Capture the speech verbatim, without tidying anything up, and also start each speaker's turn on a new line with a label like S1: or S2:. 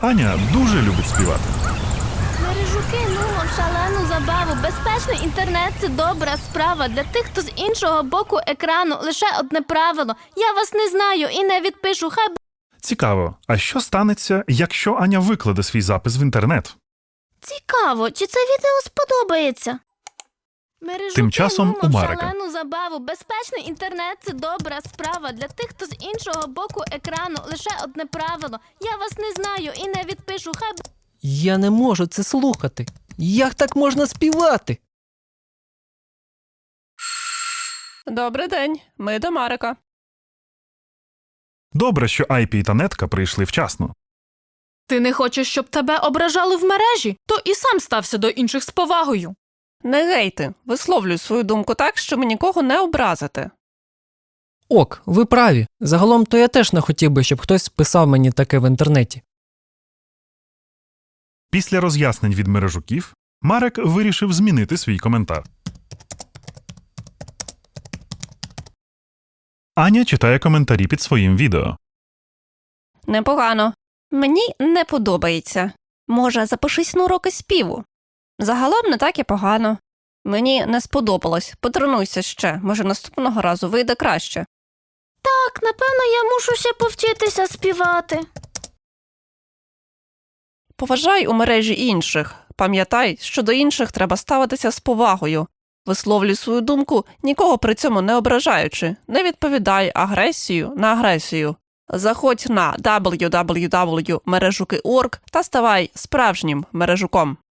S1: Аня дуже любить співати.
S2: Мережуки, нумо в шалену забаву. Безпечний інтернет – це добра справа. Для тих, хто з іншого боку екрану, лише одне правило. Я вас не знаю і не відпишу, хай...
S1: Цікаво, а що станеться, якщо Аня викладе свій запис в інтернет?
S2: Цікаво, чи це відео сподобається? Мережуки,
S1: Тим часом
S2: нумо
S1: у
S2: в
S1: Марика.
S2: шалену забаву. Безпечний інтернет – це добра справа. Для тих, хто з іншого боку екрану, лише одне правило. Я вас не знаю і не відпишу, хай...
S3: Я не можу це слухати. Як так можна співати?
S4: Добрий день, ми до Марика.
S1: Добре, що Айпі та Нетка прийшли вчасно.
S5: Ти не хочеш, щоб тебе ображали в мережі? То і сам стався до інших з повагою.
S4: Не гейти, висловлюй свою думку так, щоб нікого не образити.
S3: Ок, ви праві. Загалом то я теж не хотів би, щоб хтось писав мені таке в інтернеті.
S1: Після роз'яснень від мережуків, Марек вирішив змінити свій коментар. Аня читає коментарі під своїм відео.
S4: Непогано. Мені не подобається. Може, запишись на уроки співу? Загалом не так і погано. Мені не сподобалось. Потренуйся ще, може наступного разу вийде краще.
S2: Так, напевно, я мушу ще повчитися співати.
S4: Поважай у мережі інших. Пам'ятай, що до інших треба ставитися з повагою. Висловлюй свою думку, нікого при цьому не ображаючи. Не відповідай агресію на агресію. Заходь на дабл ю дабл ю дабл ю крапка мережуки крапка орг та ставай справжнім мережуком.